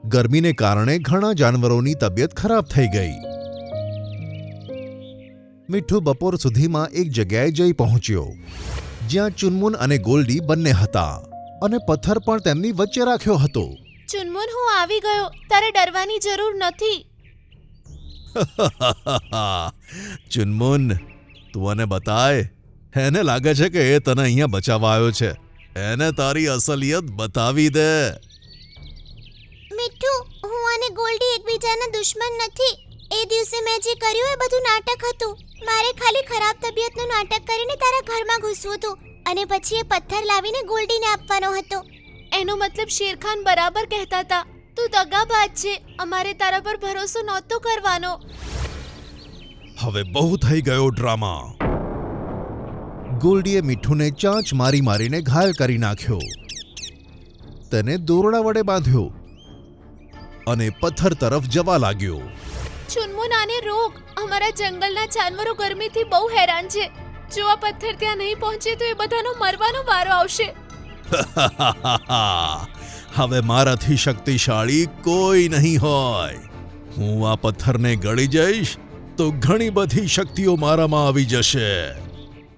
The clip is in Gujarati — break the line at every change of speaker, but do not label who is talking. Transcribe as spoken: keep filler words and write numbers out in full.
ગરમીને કારણે ઘણા જાનવરોની તબિયત ખરાબ થઈ ગઈ. મીઠું બપોર સુધીમાં એક જગ્યાએ જઈ પહોંચ્યો જ્યાં ચુનમુન અને ગોલ્ડી બંને હતા અને પથ્થર પણ તેમની વચ્ચે રાખ્યો હતો.
ચુનમુન, હું આવી ગયો. તારે ડરવાની જરૂર નથી.
ચુનમુન, તું મને બતાય. એને લાગે છે કે એ તને અહીંયા બચાવવા આવ્યો છે. એને તારી અસલિયત બતાવી દે.
મીઠું, હું અને ગોલ્ડી એકબીજાના દુશ્મન નથી. એ દિવસે મેં જે કર્યું એ બધું નાટક હતું. મારે ખાલી ખરાબ તબિયતનું નાટક કરીને તારા ઘરમાં ઘૂસવું હતું અને પછી એ પથ્થર લાવીને ગોલ્ડીને આપવાનો હતો. એનો મતલબ શેરખાન બરાબર કહેતા હતા. તું દગાબાજ છે. અમારે તારા પર ભરોસો નહોતો કરવાનો.
હવે બહુ થઈ ગયો ડ્રામા. ગોલ્ડીએ મીઠુને ચાંચ મારી મારીને ઘાયલ કરી નાખ્યો. તેને દોરડા વડે બાંધ્યો અને પથ્થર તરફ જવા લાગ્યો.
ચુનમુન, આને રોક. અમારા જંગલના જાનવરો ગરમીથી બહુ હેરાન છે. જો આ પથ્થર ત્યાં નહીં પહોંચે તો એ બધાનો મરવાનો વારો આવશે.
હવે મારાથી શક્તિશાળી કોઈ નહીં હોય. હું આ પથ્થરને ગળી જઈશ તો ઘણી બધી શક્તિઓ મારામાં આવી જશે.